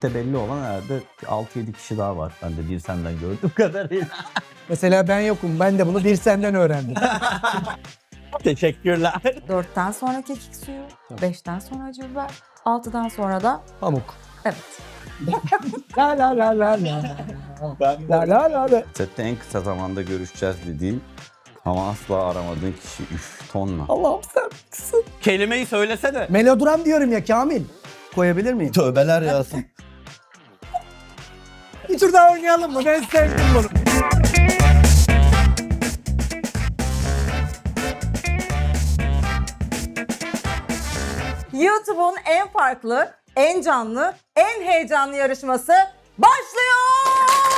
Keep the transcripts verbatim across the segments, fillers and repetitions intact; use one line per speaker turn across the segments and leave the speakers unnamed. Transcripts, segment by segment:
De belli olan herhalde altı yedi kişi daha var. Ben de bir senden gördüğüm kadarıyla.
Mesela ben yokum. Ben de bunu bir senden öğrendim.
Teşekkürler.
Dörtten sonra kekik suyu, beşten sonra acı biber, altıdan sonra da
Pamuk.
evet.
La la la la la.
Ben
La la la la.
Sette en kısa zamanda görüşeceğiz dediğin ama asla aramadığın kişi üf tonla.
Allah'ım sen kızım.
Kelimeyi söylesene.
Melodram diyorum ya Kamil. Koyabilir miyim?
Tövbeler yağsın.
Bir tur daha oynayalım mı? Ben sevdim bunu.
YouTube'un en farklı, en canlı, en heyecanlı yarışması başlıyor!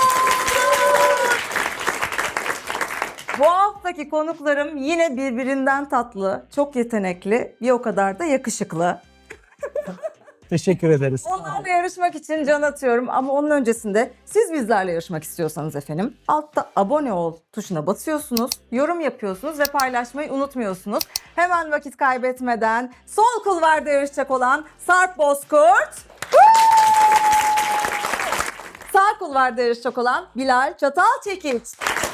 Bu haftaki konuklarım yine birbirinden tatlı, çok yetenekli, bir o kadar da yakışıklı.
Teşekkür ederiz.
Onlarla yarışmak için can atıyorum ama onun öncesinde siz bizlerle yarışmak istiyorsanız efendim altta abone ol tuşuna basıyorsunuz, yorum yapıyorsunuz ve paylaşmayı unutmuyorsunuz. Hemen vakit kaybetmeden sol kulvarda yarışacak olan Sarp Bozkurt, sağ kulvarda yarışacak olan Bilal Çatalçekiç.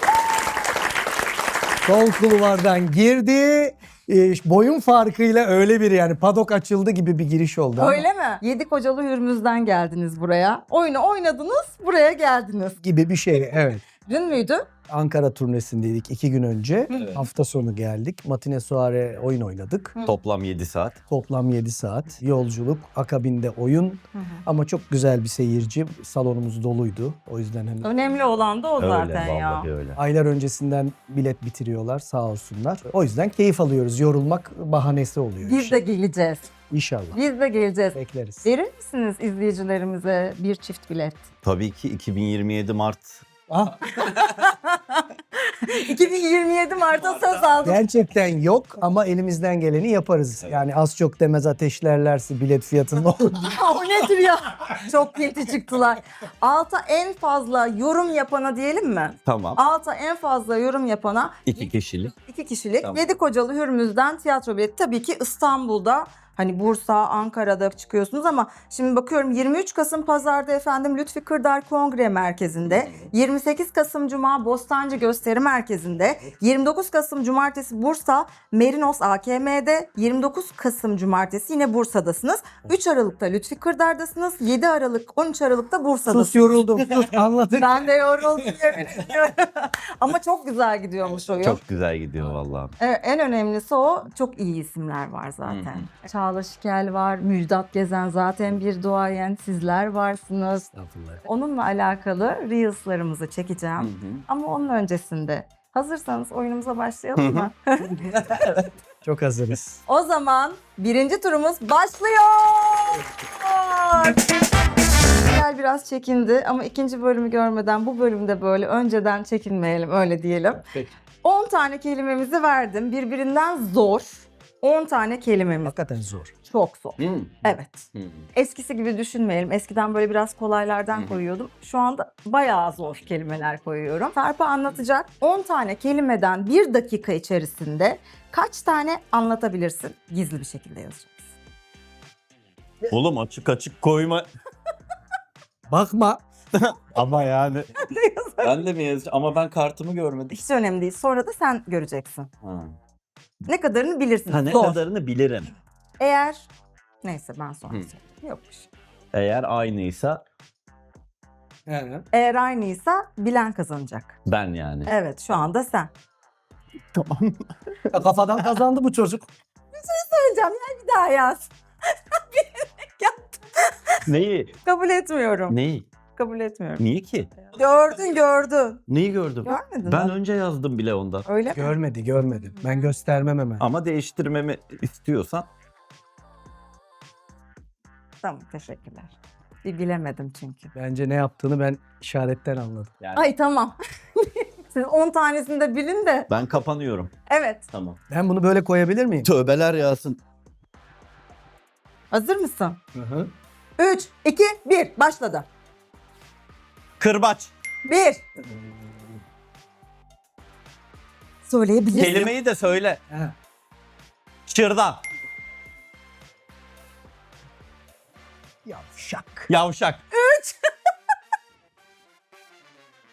Sol kulvardan girdi. E, boyun farkıyla öyle bir yani padok açıldı gibi bir giriş oldu. ama
Öyle mi? Yedi kocalı hürmüzden geldiniz buraya. Oyunu oynadınız, buraya geldiniz.
Gibi bir şey evet.
Dün müydü?
Ankara turnesindeydik iki gün önce.
Evet.
Hafta sonu geldik. Matine soare oyun oynadık.
Toplam yedi saat.
Toplam yedi saat. Yolculuk, akabinde oyun. Ama çok güzel bir seyirci. Salonumuz doluydu. O yüzden hani
Önemli olan da o
Öyle
zaten ya.
vallahi öyle.
aylar öncesinden bilet bitiriyorlar sağ olsunlar. O yüzden keyif alıyoruz. Yorulmak bahanesi oluyor.
Biz
işte.
de geleceğiz.
İnşallah.
Biz de geleceğiz.
Bekleriz.
Verir misiniz izleyicilerimize bir çift bilet?
Tabii ki iki bin yirmi yedi Mart.
Ah,
iki bin yirmi yedi Mart'a söz aldım.
gerçekten yok ama elimizden geleni yaparız. Yani az çok demez ateşlerlerse bilet fiyatını olur.
O nedir ya? Çok pinti çıktılar. Alta en fazla yorum yapana diyelim mi?
Tamam.
Alta en fazla yorum yapana
İki kişilik.
iki kişilik
Tamam.
Yedi Kocalı Hürmüz'den tiyatro bileti. Tabii ki İstanbul'da, hani Bursa, Ankara'da çıkıyorsunuz ama şimdi bakıyorum yirmi üç Kasım Pazar'da efendim Lütfi Kırdar Kongre Merkezi'nde, yirmi sekiz Kasım Cuma Bostancı Gösteri Merkezi'nde, yirmi dokuz Kasım Cumartesi Bursa Merinos A K M'de, yirmi dokuz Kasım Cumartesi yine Bursa'dasınız. üç Aralık'ta Lütfi Kırdar'dasınız, yedi Aralık, on üç Aralık'ta Bursa'dasınız.
Sus yoruldum. Sus anladık.
Ben de yoruldum yemin ediyorum. Ama çok güzel gidiyormuş oyun.
Çok güzel gidiyor vallahi.
Evet, en önemlisi o. Çok iyi isimler var zaten. Çağla Şikel var, Müjdat Gezen zaten bir duayen, sizler varsınız.
Estağfurullah.
Onunla alakalı Reels'larımızı çekeceğim.
Hı hı.
Ama onun öncesinde hazırsanız oyunumuza başlayalım mı?
Çok hazırız.
O zaman birinci turumuz başlıyor. Bilal biraz çekindi ama ikinci bölümü görmeden bu bölümde böyle önceden çekinmeyelim, öyle diyelim.
Peki.
on tane kelimemizi verdim. Birbirinden zor on tane kelimemiz.
Hakikaten zor.
Çok zor.
Hı.
Evet.
Hı.
Eskisi gibi düşünmeyelim. Eskiden böyle biraz kolaylardan koyuyordum. Şu anda bayağı zor kelimeler koyuyorum. Sarp'a anlatacak on tane kelimeden bir dakika içerisinde kaç tane anlatabilirsin? Gizli bir şekilde yazacaksın.
Oğlum açık açık koyma.
Bakma.
Ama yani. Ben de mi yazacağım? Ama ben kartımı görmedim.
Hiç önemli değil. Sonra da sen göreceksin.
Ha.
Ne kadarını bilirsin.
Ha, ne
Zor.
kadarını bilirim.
Eğer... Neyse ben sonra
Hı.
söyleyeyim. Yokmuş.
Eğer aynıysa
Eğer aynıysa bilen kazanacak.
ben yani.
Evet, şu anda sen.
Tamam.
Kafadan kazandı bu çocuk.
Söyleyeceğim ya, bir daha yaz.
Neyi?
Kabul etmiyorum.
Neyi?
Kabul etmiyorum.
Niye ki?
Gördün gördün.
Neyi gördüm?
Görmedin
Ben
mi?
önce yazdım bile ondan.
Öyle mi?
Görmedi görmedi. Ben göstermem hemen.
Ama değiştirmemi istiyorsan
Tamam, teşekkürler. Bir bilemedim çünkü.
Bence ne yaptığını ben işaretten anladım.
yani
Ay tamam. Siz on tanesini de bilin de.
ben kapanıyorum.
Evet.
Tamam.
Ben bunu böyle koyabilir miyim?
Tövbeler yağsın.
Hazır mısın?
Hı hı.
üç, iki, bir. Başladı.
Kırbaç.
bir. Söyleyebilirsin.
Kelimeyi de söyle.
Ha.
Şırdan.
Yavşak.
Yavşak.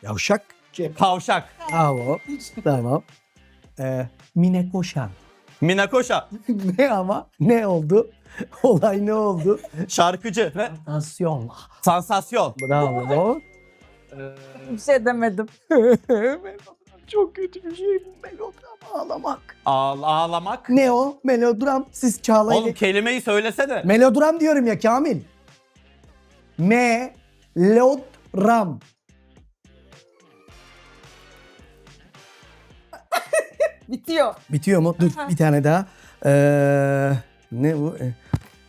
Yavşak.
Kavşak.
Bravo. Tamam. Ee, Mine Koşan.
Minakoşa.
Ne ama? Ne oldu? Olay ne oldu?
Şarkıcı. Ne?
Nasyon.
Sansasyon.
Bravo.
Bir şey demedim.
Melodram çok kötü bir şey bu. Melodram ağlamak.
Ağ- ağlamak.
Ne o? Melodram. Siz Çağla'yla...
Oğlum kelimeyi söylesene.
Melodram diyorum ya Kamil. Melodram.
Bitiyor.
Bitiyor mu? Dur bir tane daha. Ee, ne bu? Ee,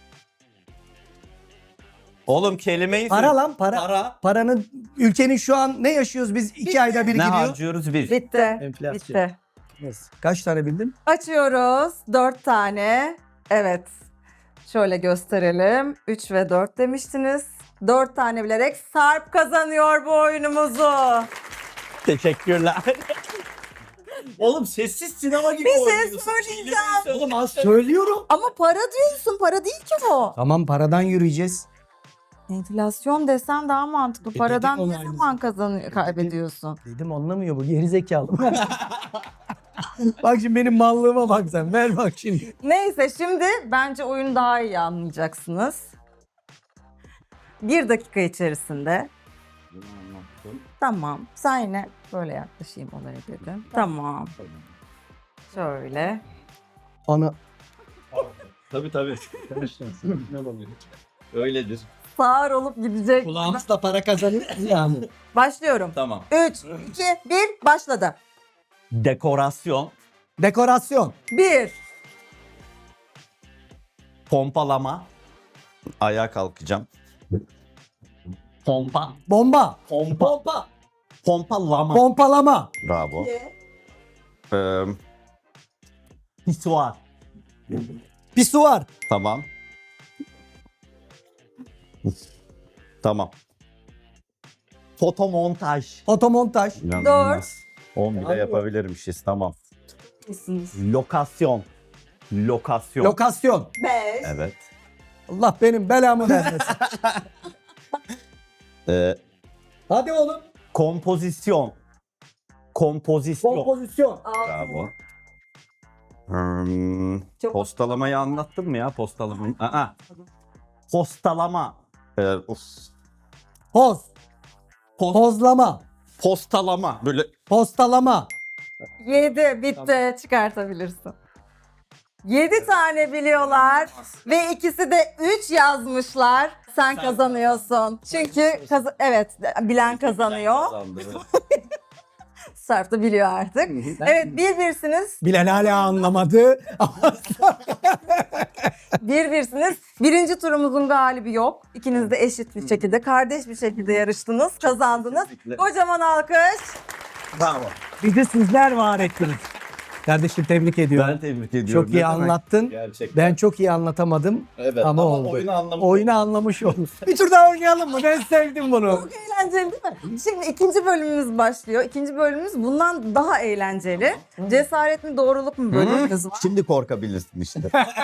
Oğlum kelimeyi
para
söyle.
lan para.
Para.
Paranın ülkenin şu an ne yaşıyoruz biz? iki ayda bir
Ne
gidiyor.
harcıyoruz biz?
Bitti.
Enflasyon.
Bitti.
Yes. Kaç tane bildin?
Açıyoruz. Dört tane. Evet. Şöyle gösterelim. Üç ve dört demiştiniz. Dört tane bilerek Sarp kazanıyor bu oyunumuzu.
Teşekkürler. Oğlum sessiz sinema gibi
Bir şey
oynuyorsun.
söyleyeceğim.
Kelimeyi söyle.
Oğlum az söylüyorum.
Ama para diyorsun. Para değil ki bu.
Tamam paradan yürüyeceğiz.
Enflasyon desen daha mantıklı.
E dedik
Paradan
onu
ne
aynı
zaman kazanıyor, kaybediyorsun?
Dedim anlamıyor bu gerizekalı. Bak şimdi benim mallığıma bak sen. Ver bak şimdi.
Neyse şimdi bence oyunu daha iyi anlayacaksınız. Bir dakika içerisinde. Tamam. Sen yine böyle yaklaşayım olaya dedim. Tamam. Şöyle.
Ana.
Tabii tabii. Öyledir.
Sağır olup gidecek.
Kulağımızla para kazanıyoruz yani.
Başlıyorum.
Tamam.
üç, iki, bir, başladı.
Dekorasyon.
Dekorasyon.
bir,
Pompalama. Ayağa kalkacağım. Pompa.
Bomba.
Pompa. Pompalama.
Pompalama.
Bravo. Ee, pisuar.
Pisuar.
Tamam. Tamam. Fotomontaj.
Otomontaj.
İnanılmaz. on bile yapabilirmişiz. Tamam. Lokasyon. Lokasyon.
Lokasyon.
beş,
Evet.
Allah benim belamı vermesin.
Ee,
Hadi oğlum.
kompozisyon. Kompozisyon.
Kompozisyon.
Bravo. Hmm,
Çok-
postalamayı anlattım mı ya postalamayı? Aa. Postalama. Ee, uf.
Poz.
Post-
Pozlama.
postalama. Böyle
Postalama.
yedi, bitti. Çıkartabilirsin. yedi tane biliyorlar ve ikisi de üç yazmışlar. Sen kazanıyorsun. Çünkü kaz- evet bilen kazanıyor.
kazandı.
Sarp da biliyor artık. Evet bir birsiniz.
Bilal hala anlamadı.
Bir birsiniz. Birinci turumuzun galibi yok. İkiniz de eşit bir şekilde, kardeş bir şekilde yarıştınız. Kazandınız.
Kesinlikle.
Kocaman alkış.
Bravo.
Bizi sizler var ettiniz. Kardeşim tebrik ediyorum.
Ben tebrik ediyorum.
Çok iyi
Ne demek?
anlattın.
Gerçekten.
Ben çok iyi anlatamadım.
Evet,
ama,
ama
oldu.
oyunu anlamış
Oyunu anlamış oldum. Bir tur daha oynayalım mı? Ben sevdim bunu.
Çok eğlenceli değil mi? Şimdi ikinci bölümümüz başlıyor. İkinci bölümümüz bundan daha eğlenceli. Cesaret mi doğruluk mu bölümümüz var.
Şimdi korkabilirsin işte.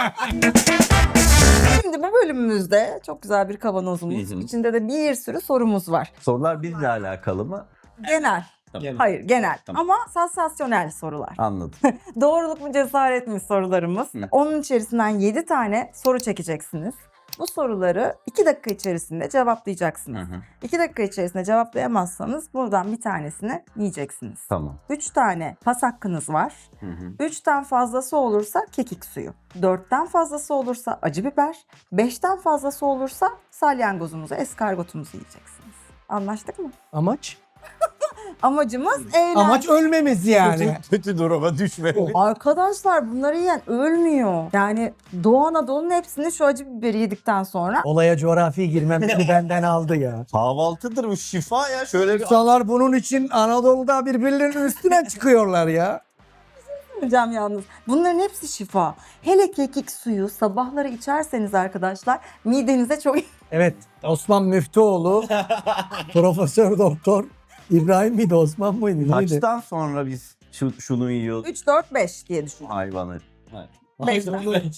Şimdi bu bölümümüzde çok güzel bir kavanozumuz.
Hı hı.
İçinde de bir sürü sorumuz var.
Sorular bizle alakalı mı?
Genel.
Tamam.
Hayır genel
Tamam.
ama sansasyonel sorular.
Anladım.
Doğruluk mu cesaret mi sorularımız.
Hı.
Onun içerisinden yedi tane soru çekeceksiniz. Bu soruları iki dakika içerisinde cevaplayacaksınız.
Hı hı.
iki dakika içerisinde cevaplayamazsanız buradan bir tanesini yiyeceksiniz.
Tamam.
üç tane pas hakkınız var.
Hı hı.
üçten fazlası olursa kekik suyu. dörtten fazlası olursa acı biber. beşten fazlası olursa salyangozumuzu, eskargotumuzu yiyeceksiniz. Anlaştık mı?
Amaç?
Amacımız eğlence.
Amaç ölmemiz yani.
Kötü duruma düşme.
Arkadaşlar bunları yiyen ölmüyor. Yani Doğu Anadolu'nun hepsini şu acı biberi yedikten sonra
Olaya coğrafi girmemizi benden aldı ya.
Kahvaltıdır bu, şifa ya. Şöyle bir
İnsanlar bunun için Anadolu'da birbirlerinin üstüne çıkıyorlar ya.
hocam yalnız. Bunların hepsi şifa. Hele kekik suyu sabahları içerseniz arkadaşlar midenize çok
Evet, Osman Müftüoğlu, Profesör Doktor İbrahim miydi, Osman mıydı? Neydi?
kaçtan sonra biz şu, şunu yiyoruz
üç, dört, beş diye düşün.
hayvanı.
Beş.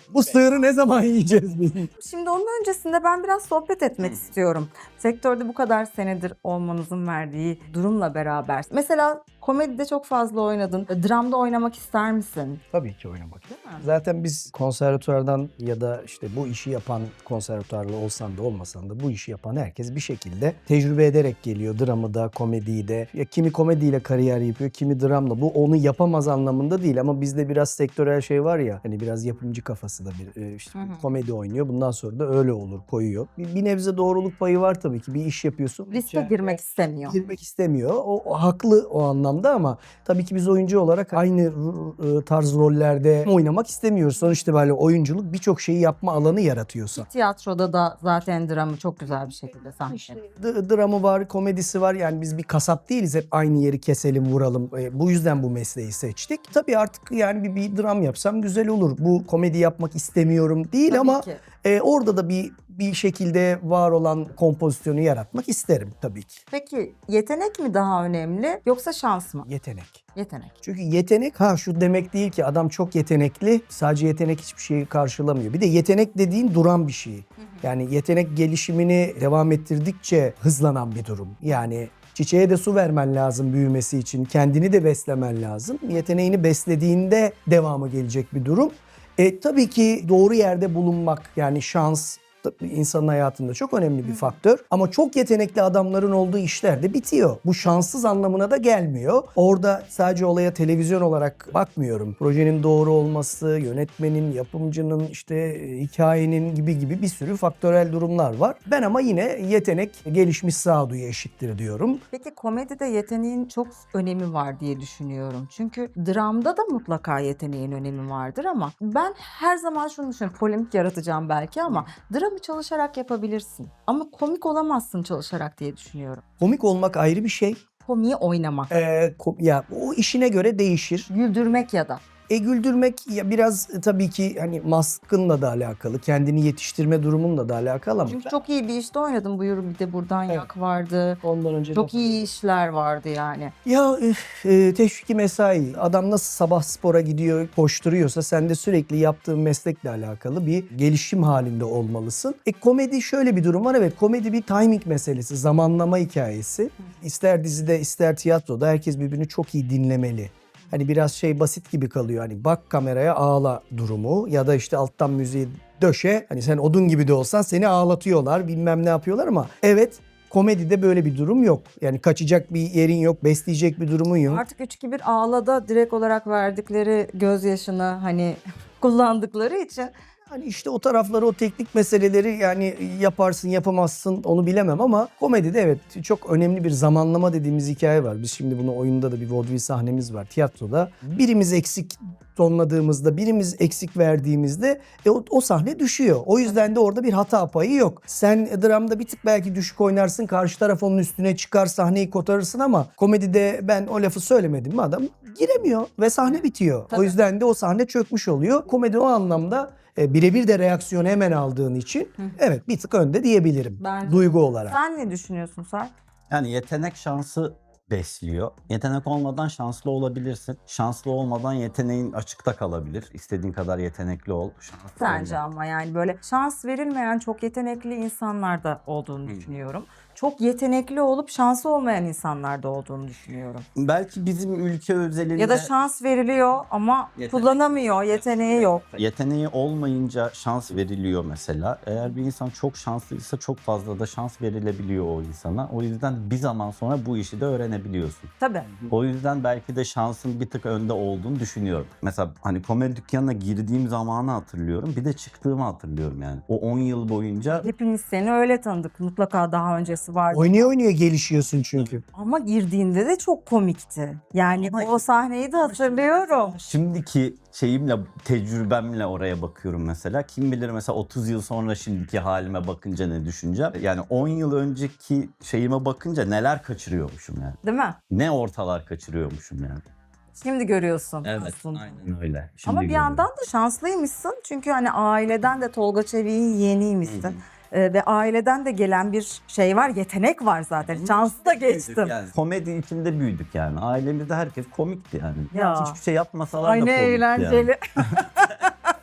Bu sığırı ne zaman yiyeceğiz biz?
Şimdi onun öncesinde ben biraz sohbet etmek istiyorum. Sektörde bu kadar senedir olmanızın verdiği durumla beraber. Mesela komedide çok fazla oynadın. Dramda oynamak ister misin?
Tabii ki oynamak.
Değil mi?
Zaten biz konservatuvardan ya da işte bu işi yapan konservatuvarlı olsan da olmasan da bu işi yapan herkes bir şekilde tecrübe ederek geliyor. Dramı da, komediyi de. Ya kimi komediyle kariyer yapıyor, kimi dramla. Bu onu yapamaz anlamında değil ama bizde biraz sektörel şey var ya. Hani biraz yapımcı kafası da bir e, işte
Hı hı.
komedi oynuyor. Bundan sonra da öyle olur, koyuyor. Bir, bir nebze doğruluk payı var tabii ki. Bir iş yapıyorsun.
Riske
Yani
girmek istemiyor.
girmek istemiyor. O, o haklı o anlamda ama tabii ki biz oyuncu olarak aynı r- r- tarz rollerde oynamak istemiyoruz. Sonuçta böyle oyunculuk birçok şeyi yapma alanı yaratıyorsa.
Tiyatroda da zaten dramı çok güzel bir şekilde sahneleniyor.
D- dramı var, komedisi var. Yani biz bir kasap değiliz. Hep aynı yeri keselim, vuralım. E, bu yüzden bu mesleği seçtik. Tabii artık yani bir, bir dram yapsam güzel olur. Bu komedi yapmak istemiyorum değil
Tabii
ama
ki.
e, orada da bir bir şekilde var olan kompozisyonu yaratmak isterim tabii ki.
Peki yetenek mi daha önemli yoksa şans mı?
Yetenek.
Yetenek.
Çünkü yetenek ha şu demek değil ki adam çok yetenekli. Sadece yetenek hiçbir şeyi karşılamıyor. Bir de yetenek dediğin duran bir şey. Yani yetenek gelişimini devam ettirdikçe hızlanan bir durum. Yani çiçeğe de su vermen lazım büyümesi için. Kendini de beslemen lazım. Yeteneğini beslediğinde devamı gelecek bir durum. E, tabii ki doğru yerde bulunmak yani şans insanın hayatında çok önemli bir faktör. Ama çok yetenekli adamların olduğu işler de bitiyor. Bu şanssız anlamına da gelmiyor. Orada sadece olaya televizyon olarak bakmıyorum. Projenin doğru olması, yönetmenin, yapımcının, işte hikayenin gibi gibi bir sürü faktörel durumlar var. Ben ama yine yetenek gelişmiş sağduyu eşittir diyorum.
Peki komedide yeteneğin çok önemi var diye düşünüyorum. Çünkü dramda da mutlaka yeteneğin önemi vardır ama ben her zaman şunu düşünüyorum. Polemik yaratacağım belki ama dramı çalışarak yapabilirsin. Ama komik olamazsın çalışarak diye düşünüyorum.
Komik olmak ayrı bir şey.
Komiği oynamak.
Ee, ko- ya o işine göre değişir.
Güldürmek ya da.
E güldürmek ya biraz e, tabii ki hani maskınla da alakalı, kendini yetiştirme durumunla da alakalı ama
Çünkü çok iyi bir işte oynadım. Buyur bir de buradan
Evet.
yak vardı.
ondan önce
Çok
de-
iyi işler vardı yani.
Ya üf, e, teşviki mesai. Adam nasıl sabah spora gidiyor, koşturuyorsa sen de sürekli yaptığın meslekle alakalı bir gelişim halinde olmalısın. E komedi şöyle bir durum var. Evet, komedi bir timing meselesi, zamanlama hikayesi. İster dizide ister tiyatroda herkes birbirini çok iyi dinlemeli. Hani biraz şey basit gibi kalıyor. Hani bak kameraya ağla durumu ya da işte alttan müziği döşe. Hani sen odun gibi de olsan seni ağlatıyorlar, bilmem ne yapıyorlar ama evet komedide böyle bir durum yok. Yani kaçacak bir yerin yok, besleyecek bir durumun yok.
Artık üç iki bir ağlada direkt olarak verdikleri gözyaşını hani kullandıkları için
Hani işte o tarafları, o teknik meseleleri yani yaparsın yapamazsın onu bilemem ama komedide evet çok önemli bir zamanlama dediğimiz hikaye var. Biz şimdi bunu oyunda da bir vaudeville sahnemiz var tiyatroda. Birimiz eksik tonladığımızda, birimiz eksik verdiğimizde e, o, o sahne düşüyor. O yüzden de orada bir hata payı yok. Sen dramda bir tık belki düşük oynarsın, karşı taraf onun üstüne çıkar, sahneyi kotarırsın ama komedide ben o lafı söylemedim mi adam giremiyor ve sahne bitiyor.
Tabii.
O yüzden de o sahne çökmüş oluyor. Komedi o anlamda e, birebir de reaksiyonu hemen aldığın için evet bir tık önde diyebilirim.
Bence.
Duygu olarak.
sen ne düşünüyorsun Sarp?
Yani yetenek şansı besliyor. Yetenek olmadan şanslı olabilirsin. Şanslı olmadan yeteneğin açıkta kalabilir. İstediğin kadar yetenekli ol. Şanslı
Sence
olma.
ama yani böyle şans verilmeyen çok yetenekli insanlar da olduğunu düşünüyorum. Çok yetenekli olup şansı olmayan insanlar da olduğunu düşünüyorum.
Belki bizim ülke özelinde
Ya da şans veriliyor ama
Yetenek.
kullanamıyor, yeteneği yok.
yeteneği olmayınca şans veriliyor mesela. Eğer bir insan çok şanslıysa çok fazla da şans verilebiliyor o insana. O yüzden bir zaman sonra bu işi de öğrenebiliyorsun.
Tabii.
O yüzden belki de şansın bir tık önde olduğunu düşünüyorum. Mesela hani komedi dükkanına girdiğim zamanı hatırlıyorum. Bir de çıktığımı hatırlıyorum yani. O on yıl boyunca
Hepimiz seni öyle tanıdık. Mutlaka daha öncesi vardı.
Oynaya oynaya gelişiyorsun çünkü.
Ama girdiğinde de çok komikti. Yani
Ama-
o sahneyi de hatırlıyorum.
şimdiki şeyimle, tecrübemle oraya bakıyorum mesela. Kim bilir mesela otuz yıl sonra şimdiki halime bakınca ne düşüneceğim. Yani on yıl önceki şeyime bakınca neler kaçırıyormuşum yani.
Değil mi?
Ne ortalar kaçırıyormuşum yani.
Şimdi görüyorsun aslında.
aynen öyle. Şimdi
Ama bir
görüyorum.
yandan da şanslıymışsın. Çünkü hani aileden de Tolga Çevik'in yeğeniymişsin. Ee, ve aileden de gelen bir şey var, yetenek var zaten. Şansı da geçtim.
Yani komedi içinde büyüdük yani. Ailemizde herkes komikti yani.
Ya.
Hiçbir şey yapmasalar
Ay
da
ne
komikti
eğlenceli.
yani.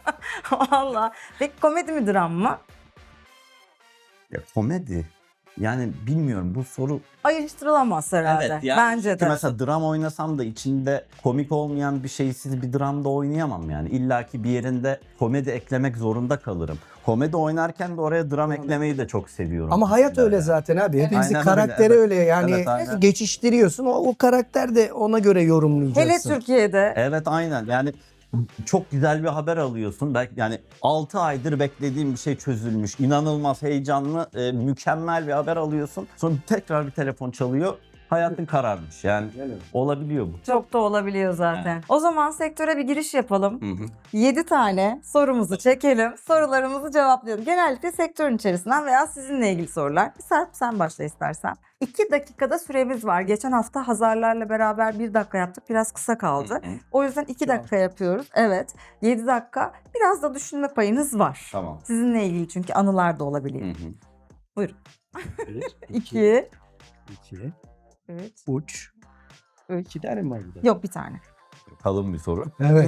Valla. Peki komedi mi dram mı?
Ya komedi. Yani bilmiyorum bu soru.
Ayrıştırılamaz herhalde. Bence
Çünkü
de.
mesela dram oynasam da içinde komik olmayan bir şeysiz bir dramda oynayamam yani. İlla ki bir yerinde komedi eklemek zorunda kalırım. Komedi oynarken de oraya dram eklemeyi de çok seviyorum.
Ama hayat
mesela
öyle
yani.
zaten abi. Hepimizin
Aynen öyle,
karakteri
evet.
öyle yani
Evet, aynen.
geçiştiriyorsun. O, o karakter de ona göre
Hele
yorumlayacaksın.
Türkiye'de.
Evet aynen yani çok güzel bir haber alıyorsun. Belki yani altı aydır beklediğim bir şey çözülmüş. İnanılmaz heyecanlı, e, mükemmel bir haber alıyorsun. Sonra tekrar bir telefon çalıyor. Hayatın kararmış. Yani olabiliyor bu.
Çok da olabiliyor zaten. O zaman sektöre bir giriş yapalım.
Hı hı.
yedi tane sorumuzu çekelim. Sorularımızı cevaplayalım. Genellikle sektörün içerisinden veya sizinle ilgili sorular. Serp sen başla istersen. iki dakikada süremiz var. Geçen hafta Hazarlarla beraber bir dakika yaptık. Biraz kısa kaldı.
Hı hı.
O yüzden iki dakika yapıyoruz. Evet. yedi dakika. Biraz da düşünme payınız var.
Tamam.
Sizinle ilgili çünkü anılar da olabiliyor.
Hı hı.
Buyurun.
Bir,
iki,
iki,
üç,
üç.
üç.
İki tane mi var burada?
Yok bir tane.
Kalın bir soru.
Evet.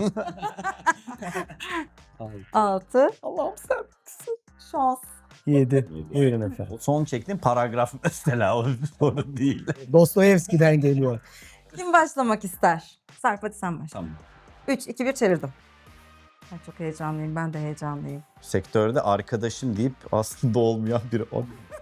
altı.
Allah'ım sen.
Şans.
Yedi. Buyurun efendim.
Son çektiğim paragraf mesela o bir soru değil.
Dostoyevski'den geliyor.
Kim başlamak ister? Serp hadi sen başla.
Tamam.
üç, iki, bir çevirdim. Ay, çok heyecanlıyım. Ben de heyecanlıyım.
Sektörde arkadaşım deyip aslında olmayan biri. O-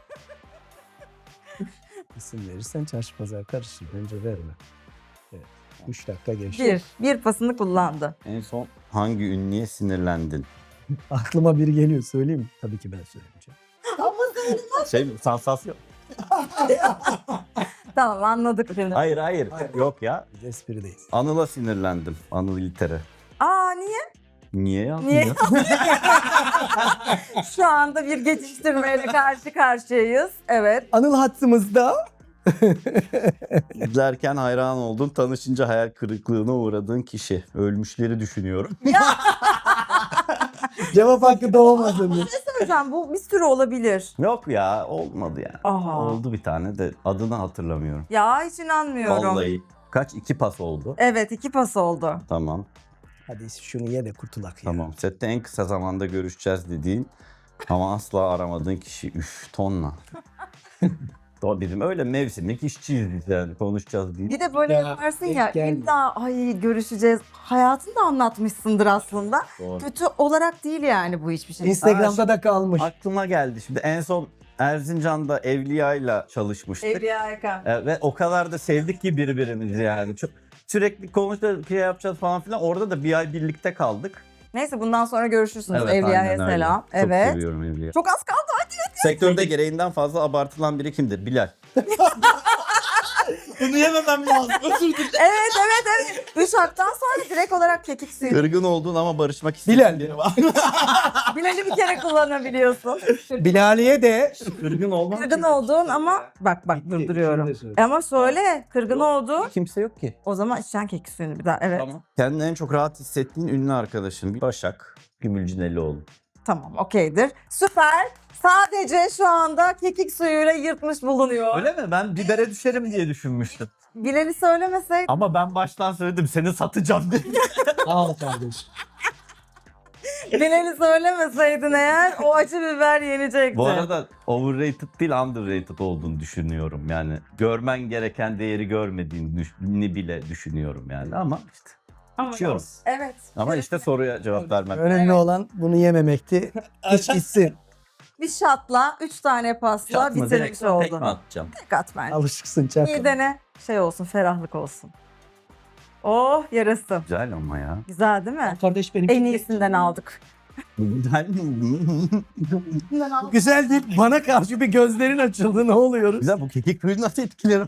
İsim verirsen çarşı pazar karışır. Bence verme. Evet. Üç dakika geçti.
Bir. Bir pasını kullandı.
En son hangi ünlüye sinirlendin?
Aklıma biri geliyor söyleyeyim mi? Tabii ki ben söyleyeceğim.
Şey mi? Sansasyon.
Tamam anladık şimdi.
Hayır hayır. Yok ya.
Biz esprideyiz.
Anıl'a sinirlendim. Anıl İlter'e.
Aa niye?
Niye yazdın
Niye?
ya?
Şu anda bir geçiştirmeyle karşı karşıyayız. Evet.
Anıl hattımızda.
İzlerken hayran oldun, tanışınca hayal kırıklığına uğradığın kişi. Ölmüşleri düşünüyorum.
Cevap hakkı doğmadı.
Hocam bu bir sürü olabilir.
Yok ya olmadı yani.
Aha.
Oldu bir tane de adını hatırlamıyorum.
Ya hiç inanmıyorum.
Vallahi. Kaç? iki pas oldu.
Evet iki pas oldu.
Tamam.
Hadi şunu ye de kurtulak ya.
Tamam. Sette en kısa zamanda görüşeceğiz dediğin ama asla aramadığın kişi. Üf tonla. Doğru bizim öyle mevsimlik işçiyiz biz yani konuşacağız diye.
Bir de böyle
Ya,
yaparsın
denk
ya
geldi.
illa ay görüşeceğiz. Hayatını da anlatmışsındır aslında.
Doğru.
Kötü olarak değil yani bu hiçbir şey.
Instagram'da da kalmış.
Aklıma geldi şimdi en son Erzincan'da Evliya'yla çalışmıştık.
Evliya Erkan.
E, ve o kadar da sevdik ki birbirimizi yani. Çok sürekli konuşacağız, şey yapacağız falan filan. Orada da bir ay birlikte kaldık.
Neyse bundan sonra görüşürsünüz.
Evet,
Evliya'ya
aynen öyle.
selam.
Çok
Evet.
seviyorum Evliya.
Çok az kaldı.
Sektörde gereğinden fazla abartılan biri kimdir? Bilal.
Bunu yememem lazım. Özür dilerim.
Evet evet evet. Üç haktan sonra direkt olarak kekik suyu.
Kırgın oldun ama barışmak istediğin
Bilal.
biri var.
Bilal'i bir kere kullanabiliyorsun.
Bilaliye de
Kırgın olmak
Kırgın olduğun ama bak bak durduruyorum. Ama söyle kırgın olduğun.
kimse yok ki.
O zaman içeceksin kekik suyunu bir daha. Evet. Tamam,
Tamam. Kendini en çok rahat hissettiğin ünlü arkadaşın. Başak Gümülcinelioğlu.
okeydir. Süper. Sadece şu anda kekik suyuyla yırtmış bulunuyor.
Öyle mi? Ben bibere düşerim diye düşünmüştüm.
Bilal'i söylemesek
Ama ben baştan söyledim seni satacağım diye.
al kardeş.
Bilal'i söylemeseydin eğer o acı biber yenecekti.
Bu arada overrated değil underrated olduğunu düşünüyorum. Yani görmen gereken değeri görmediğini bile düşünüyorum yani ama işte.
Ama
içiyorum.
Evet.
Ama işte soruya cevap vermem.
Önemli olan bunu yememekti. İç gitsin.
Bir şatla, üç tane pasla
Çatma direkt
bitirmiş
tek
oldun.
mi atacağım?
Tek at bence.
Alışıksın çak.
Midene şey olsun, ferahlık olsun. Oh yarası.
Güzel ama ya.
Güzel değil mi?
Kardeş benim.
En iyisinden aldık.
Güzel.
Iyisinden aldık.
Güzel değil. Bana karşı bir gözlerin açıldı. Ne oluyoruz?
Güzel bu kekik suyu nasıl etkiler?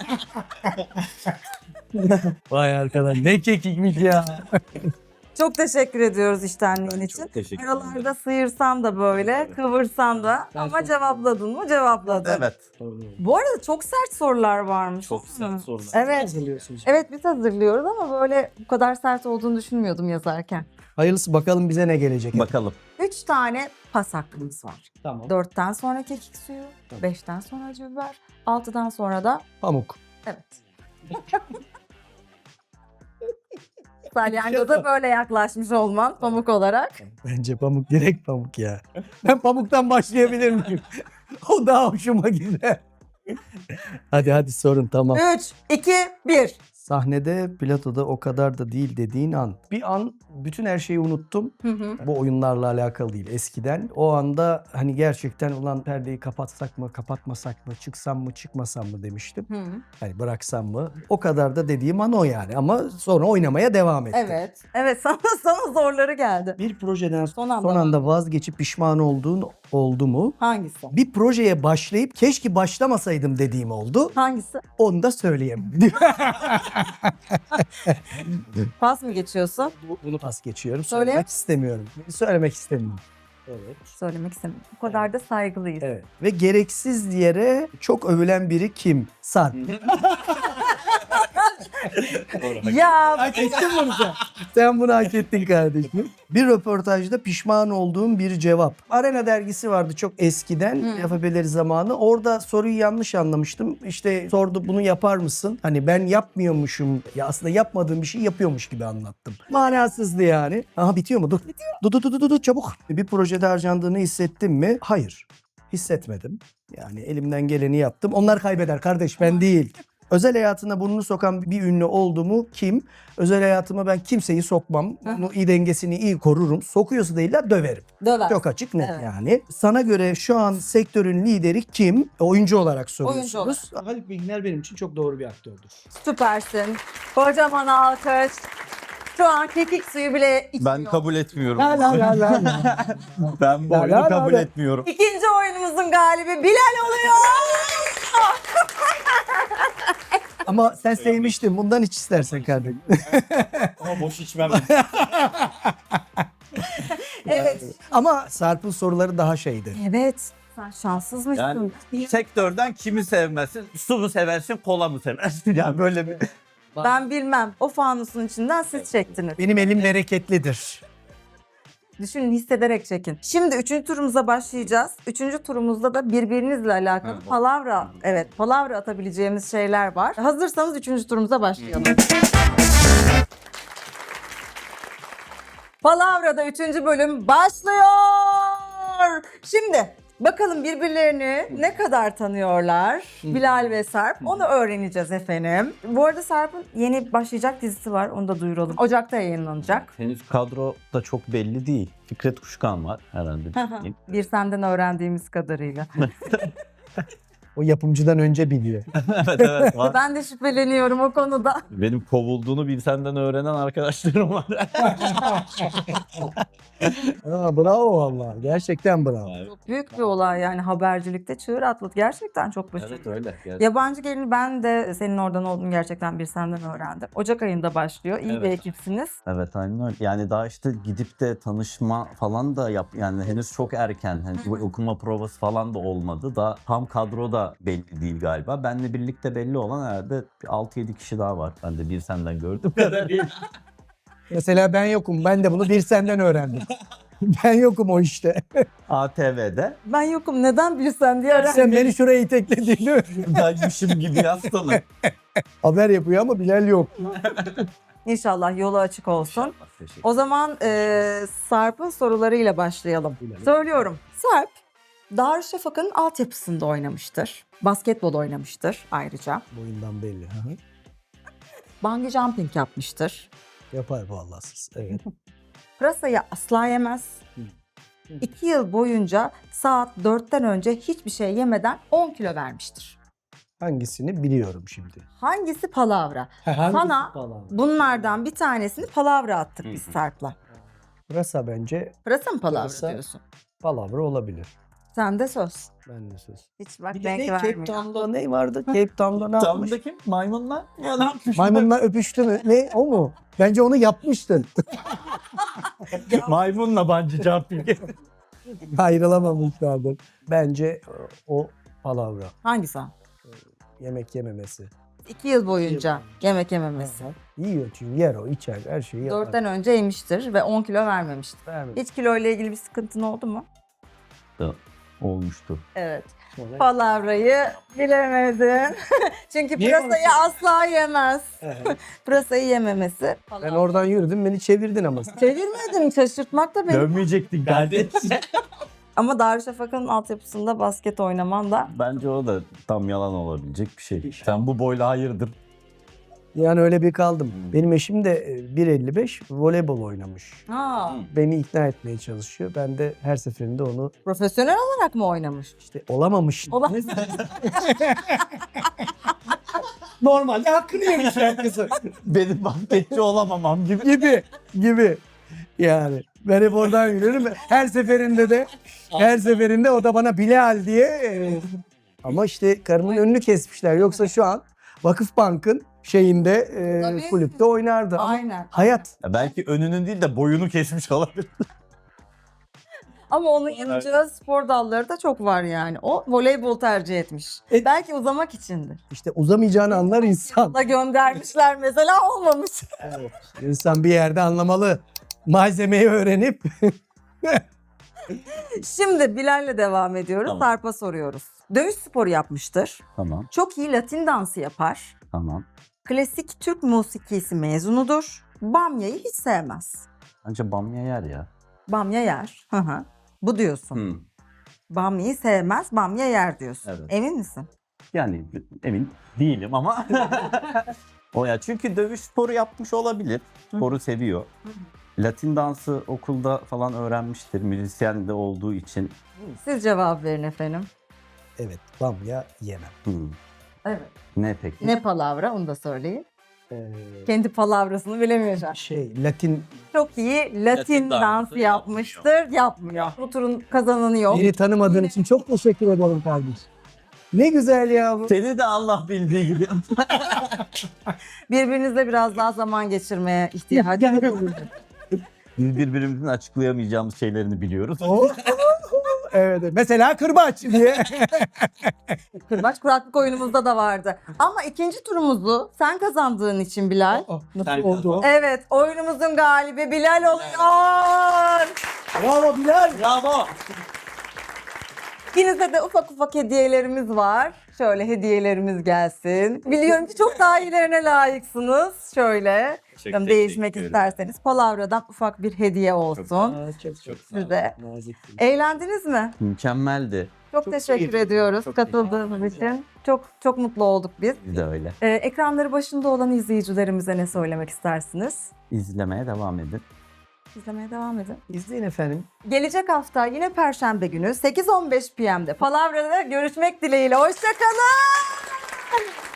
Vay arkadaş ne kekikmiş ya.
Çok teşekkür ediyoruz iştenliğin için.
Çok teşekkür
Aralarda sıyırsan da böyle, kıvırsan da ama cevapladın mı? Cevapladın.
Evet.
Bu arada çok sert sorular varmış.
Çok sert
Hı.
sorular.
Evet.
Hazırlıyorsunuz.
Evet biz hazırlıyoruz ama böyle bu kadar sert olduğunu düşünmüyordum yazarken.
Hayırlısı bakalım bize ne gelecek.
Bakalım.
Üç tane pas hakkımız var.
Tamam.
Dörtten sonra kekik suyu,
Tamam.
beşten sonra acı biber, altıdan sonra da
Pamuk.
evet. Salyangoza böyle yaklaşmış olman pamuk olarak.
Bence pamuk direkt pamuk ya. Ben pamuktan başlayabilir miyim? O daha hoşuma gider. Hadi hadi sorun tamam.
üç, iki, bir.
Sahnede platoda o kadar da değil dediğin an. Bir an bütün her şeyi unuttum.
Hı hı.
Bu oyunlarla alakalı değil eskiden. O anda hani gerçekten ulan perdeyi kapatsak mı, kapatmasak mı, çıksam mı, çıkmasam mı demiştim.
Hı.
Hani bıraksam mı? O kadar da dediğim an o yani. Ama sonra oynamaya devam ettim.
Evet. Evet sana, sana zorları geldi.
Bir projeden
Son
son
anda
anda,
mı?
vazgeçip pişman olduğun oldu mu?
Hangisi?
Bir projeye başlayıp keşke başlamasaydım dediğim oldu.
Hangisi?
Onu da söyleyeyim.
Pas mı geçiyorsun?
Bunu pas geçiyorum.
Söyle.
Söylemek istemiyorum. Söylemek istemiyorum. Evet.
Söylemek istemiyorum. O kadar da saygılıyız.
Evet. Ve gereksiz yere çok övülen biri kim? Sarp.
Ya
Hak ettin bunu sen. Sen bunu hak ettin kardeşim. Bir röportajda pişman olduğum bir cevap. Arena dergisi vardı çok eskiden.
Hı.
Yapabeleri zamanı. Orada soruyu yanlış anlamıştım. İşte sordu bunu yapar mısın? Hani ben yapmıyormuşum. Ya aslında yapmadığım bir şey yapıyormuş gibi anlattım. Manasızdı yani. Aha bitiyor mu? Dur. Dur dur dur dur, dur çabuk. Bir projede harcandığını hissettim mi? Hayır. Hissetmedim. Yani elimden geleni yaptım. Onlar kaybeder kardeş ben değil. Özel hayatına burnunu sokan bir ünlü oldu mu kim? Özel hayatıma ben kimseyi sokmam. Onu iyi dengesini iyi korurum. Sokuyorsa değil de döverim.
döver.
Çok açık net
Evet.
yani. Sana göre şu an sektörün lideri kim? Oyuncu olarak soruyorsunuz.
olarak.
Haluk Bilginer benim için çok doğru bir aktördür.
Süpersin. Kocaman alkış. Şu an kekik suyu bile içiyor.
Ben kabul etmiyorum.
La la la la.
Ben bu
La
oyunu
la la
kabul
la.
etmiyorum.
İkinci oyunumuzun galibi Bilal oluyor.
Ama sen sevmiştin. Bundan hiç istersen kardeşim.
Ama boş içmem.
Evet.
Ama Sarp'ın soruları daha şeydi.
Evet. Sen şanssızmışsın.
Yani sektörden kimi sevmezsin? Su mu seversin, kola mı seversin? Yani böyle bir...
Ben bilmem. O fanusun içinden siz çektiniz.
Benim elim bereketlidir.
Düşünün, hissederek çekin. Şimdi üçüncü turumuza başlayacağız. Üçüncü turumuzda da birbirinizle alakalı
Ha,
palavra, evet palavra atabileceğimiz şeyler var. Hazırsanız üçüncü turumuza başlayalım. Palavra'da üçüncü bölüm başlıyor. Şimdi bakalım birbirlerini ne kadar tanıyorlar Bilal ve Sarp. Onu öğreneceğiz efendim. Bu arada Sarp'ın yeni başlayacak dizisi var. Onu da duyuralım. Ocak'ta yayınlanacak.
Henüz kadro da çok belli değil. Fikret Kuşkan var herhalde.
Bir senden öğrendiğimiz kadarıyla.
O yapımcıdan önce biliyor.
evet evet var.
Ben de şüpheleniyorum o konuda.
Benim kovulduğunu bir senden öğrenen arkadaşlarım var.
Aa, bravo vallahi. Gerçekten bravo.
Çok büyük bir olay yani habercilikte çığır atladı. Gerçekten çok başarılı.
evet öyle.
Yabancı Gelini ben de senin oradan olduğunu gerçekten bir senden öğrendim. Ocak ayında başlıyor. İyi bir
Evet.
ekipsiniz.
Evet aynen öyle. Yani daha işte gidip de tanışma falan da yap yani henüz çok erken. Hani bu okuma provası falan da olmadı. Daha tam kadro da belli değil galiba. Benle birlikte belli olan herhalde altı yedi kişi daha var. Ben de bir senden gördüm.
Mesela ben yokum. Ben de bunu bir senden öğrendim. Ben yokum o işte.
A T V'de
Ben yokum neden bilsen diye öğrendim.
Sen beni şuraya itekledin değil mi?
benmişim gibi yazsana.
Haber yapıyor ama Bilal yok.
İnşallah yolu açık olsun.
Teşekkür
O zaman e, Sarp'ın sorularıyla başlayalım. Söylüyorum. Sarp, Darüşşafaka'nın altyapısında oynamıştır. Basketbol oynamıştır ayrıca.
Boyundan belli. Hı hı.
Bungee jumping yapmıştır.
Yapar vallahi siz. Evet.
Pırasayı asla yemez. İki yıl boyunca saat dörtten önce hiçbir şey yemeden on kilo vermiştir.
Hangisini biliyorum şimdi.
Hangisi palavra?
Hangisi
Sana
falan?
bunlardan bir tanesini palavra attık biz Sarp'la.
Pırasa bence
Pırasa mı palavra
Pırasa.
diyorsun?
palavra olabilir.
Sen de söz.
Ben de söz.
Hiç bak
Bir de
renk
ne? Cape
vermiyor.
Town'da ne vardı? Cape Town'da ne yapmış?
Tamdaki maymunlar.
Maymunla öpüştü mü? Ne? O mu? Bence onu yapmıştın.
Maymunla bungee jumping.
Ayrılamamışlardır. Bence o palavra.
Hangisi o?
Yemek yememesi.
İki yıl boyunca yemek yememesi.
Yiyor çünkü yer o içer her şeyi yapar.
Dörtten önce yemiştir ve on kilo vermemiştir.
Vermedi.
Hiç kilo ile ilgili bir sıkıntın oldu mu?
Olmuştu.
Evet.
Sonra-
Palavrayı bilemedin. Çünkü
Niye
pırasayı asla yemez. Pırasayı yememesi.
Ben oradan yürüdüm, beni çevirdin ama.
Çevirmedim, şaşırtmak da benim.
Dönmeyecektin kardeşim.
Ama Darüşşafaka'nın altyapısında basket oynaman da
Bence o da tam yalan olabilecek bir şey. Sen bu boyla hayırdır?
Yani öyle bir kaldım. Benim eşim de e, bir elli beş voleybol oynamış.
ha,
Beni ikna etmeye çalışıyor. Ben de her seferinde onu
profesyonel olarak mı oynamış?
işte olamamış.
Ola-
Normalde hakkını yemiş herkese.
Benim basketçi olamamam gibi.
gibi gibi. Yani ben hep oradan yürüyorum. Her seferinde de her seferinde o da bana Bilal diye. e, Ama işte karımın önünü kesmişler. Yoksa şu an Vakıfbank'ın şeyinde e,
Tabii.
kulüpte oynardı. Ama
Aynen.
hayat.
Ya belki önünün değil de boyunu kesmiş olabilir.
Ama onun yanıcı spor dalları da çok var yani. O voleybol tercih etmiş.
E-
Belki uzamak içindir.
İşte uzamayacağını anlar insan.
Da göndermişler mesela, olmamış.
İnsan bir yerde anlamalı. Malzemeyi öğrenip
Şimdi Bilal'le devam ediyoruz.
Tamam.
Sarp'a soruyoruz. Dövüş sporu yapmıştır.
Tamam,
Çok iyi Latin dansı yapar.
tamam.
Klasik Türk musikisi mezunudur. Bamya'yı hiç sevmez.
Bence bamya yer ya.
Bamya yer. Hı hı. Bu diyorsun.
Hmm.
Bamya'yı sevmez, bamya yer diyorsun.
Evet.
Emin misin?
Yani emin değilim ama. O ya çünkü dövüş sporu yapmış olabilir. Sporu seviyor. Latin dansı okulda falan öğrenmiştir. Müzisyen de olduğu için.
Siz cevap verin efendim.
evet bamya yemem.
Hmm.
Evet.
Ne peki?
Ne palavra, onu da söyleyin.
Ee,
Kendi palavrasını bilemiyor şu an.
şey Latin
Çok iyi Latin,
Latin dansı
dansı yapmıştır, yapmıyor. Bu turun kazananı yok.
beni tanımadığın için çok teşekkür ederim kardeşim. Ne güzel ya bu.
Seni de Allah bildiği gibi.
Birbirinizle biraz daha zaman geçirmeye ihtiyacı var.
Biz birbirimizin açıklayamayacağımız şeylerini biliyoruz.
O- evet, evet. Mesela kırbaç diye.
Kırbaç kuraklık oyunumuzda da vardı. Ama ikinci turumuzu sen kazandığın için Bilal.
Nasıl
Sen
oldu o?
Evet, oyunumuzun galibi Bilal oluyor.
Bravo Bilal.
Bravo.
İkinize de ufak ufak hediyelerimiz var. Şöyle hediyelerimiz gelsin. Biliyorum ki çok daha iyilerine layıksınız. Şöyle
Teşekkür
değişmek
ederim.
isterseniz Palavradan ufak bir hediye olsun
Aa, çok, çok
size.
nazik.
Eğlendiniz mi?
Mükemmeldi.
Çok,
Çok
teşekkür
keyifli.
ediyoruz
Çok
katıldığınız için. Çok çok mutlu olduk biz.
Biz de öyle.
Ee, ekranları başında olan izleyicilerimize ne söylemek istersiniz?
İzlemeye devam edin.
İzlemeye devam edin.
İzleyin efendim.
Gelecek hafta yine Perşembe günü sekiz on beş p m'de Palavra'da görüşmek dileğiyle. Hoşça kalın.